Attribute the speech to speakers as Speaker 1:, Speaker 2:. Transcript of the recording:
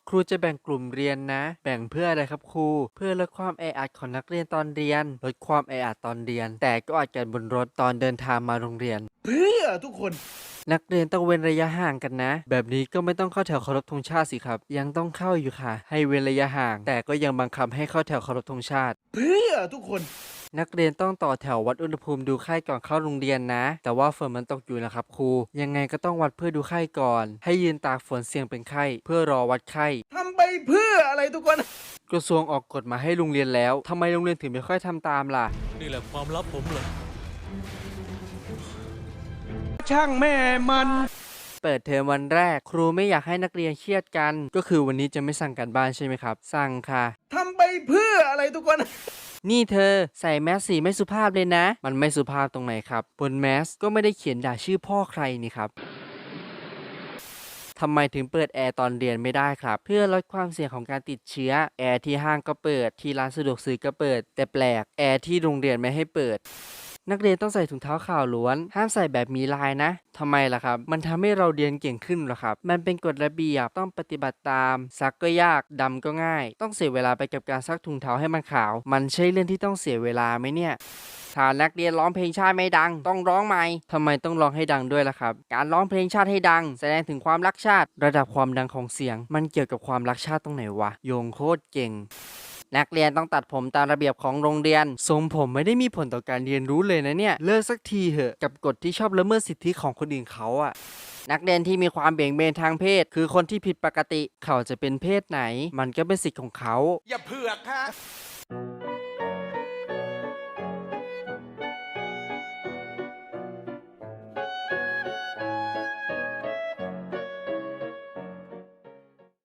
Speaker 1: ครูจะแบ่งกลุ่มเรียนนะ แบ่งเพื่ออะไรครับครู เพื่อลดความแออัดของนักเรียนตอนเรียน ลดความแออัดตอนเรียน แต่ก็อาจกันบนรถตอนเดินทางมาโรงเรียน
Speaker 2: เพื่อทุกคน
Speaker 1: นักเรียนต้องเว้นระยะห่างกันนะ แบบนี้ก็ไม่ต้องเข้าแถวเคารพธงชาติสิครับ ยังต้องเข้าอยู่ค่ะ ให้เว้นระยะห่าง แต่ก็ยังบังคับให้เข้าแถวเคารพธงชาติ
Speaker 2: เพื่อทุกคน
Speaker 1: นักเรียนต้องต่อแถววัดอุณหภูมิดูไข้ก่อนเข้าโรงเรียนนะ แต่ว่าฝนมันตกอยู่นะครับครู ยังไงก็ต้องวัดเพื่อดูไข้ก่อน ให้ยืนตากฝนเสี่ยงเป็นไข้ เพื่อรอวัดไข้
Speaker 2: ทำไปเพื่ออะไรทุกคน
Speaker 1: กระทรวงออกกฎมาให้โรงเรียนแล้ว ทำไมโรงเรียนถึงไม่ค่อยทำตามล่ะ
Speaker 3: นี่แหละความลับผมเหรอ
Speaker 2: ช่างแม่มัน
Speaker 1: เปิดเทอมวันแรก ครูไม่อยากให้นักเรียนเครียดกัน ก็คือวันนี้จะไม่สั่งการบ้านใช่ไหมครับ สั่งค่ะ
Speaker 2: ทำไปเพื่ออะไรทุกคน
Speaker 1: นี่เธอใส่แมสสีไม่สุภาพเลยนะ มันไม่สุภาพตรงไหนครับ บนแมสก็ไม่ได้เขียนด่าชื่อพ่อใครนี่ครับ ทำไมถึงเปิดแอร์ตอนเรียนไม่ได้ครับ เพื่อลดความเสี่ยงของการติดเชื้อ แอร์ที่ห้างก็เปิด ที่ร้านสะดวกซื้อก็เปิด แต่แปลก แอร์ที่โรงเรียนไม่ให้เปิด นักเรียนต้องใส่ถุงเท้าขาวล้วน ห้ามใส่แบบมีลายนะ ทำไมล่ะครับ มันทำให้เราเรียนเก่งขึ้นเหรอครับ มันเป็นกฎระเบียบต้องปฏิบัติตาม ซักก็ยาก ดำก็ง่าย ต้องเสียเวลาไปกับการซักถุงเท้าให้มันขาว มันใช่เรื่องที่ต้องเสียเวลาไหมเนี่ย ถ้านักเรียนร้องเพลงชาติไม่ดัง ต้องร้องใหม่ ทำไมต้องร้องให้ดังด้วยล่ะครับ การร้องเพลงชาติให้ดัง แสดงถึงความรักชาติ ระดับความดังของเสียง มันเกี่ยวกับความรักชาติตรงไหนวะ โยงโคตรเก่ง นักเรียนต้องตัดผมตามระเบียบของโรงเรียน ทรงผมไม่ได้มีผลต่อการเรียนรู้เลยนะเนี่ย เลิกสักทีเหอะกับกฎที่ชอบละเมิดสิทธิของคนอื่นเขาอะ นักเรียนที่มีความเบี่ยงเบนทางเพศ คือคนที่ผิดปกติ เขาจะเป็นเพศไหน มันก็เป็นสิทธิ์ของเขา
Speaker 2: อย่าเผือกฮะ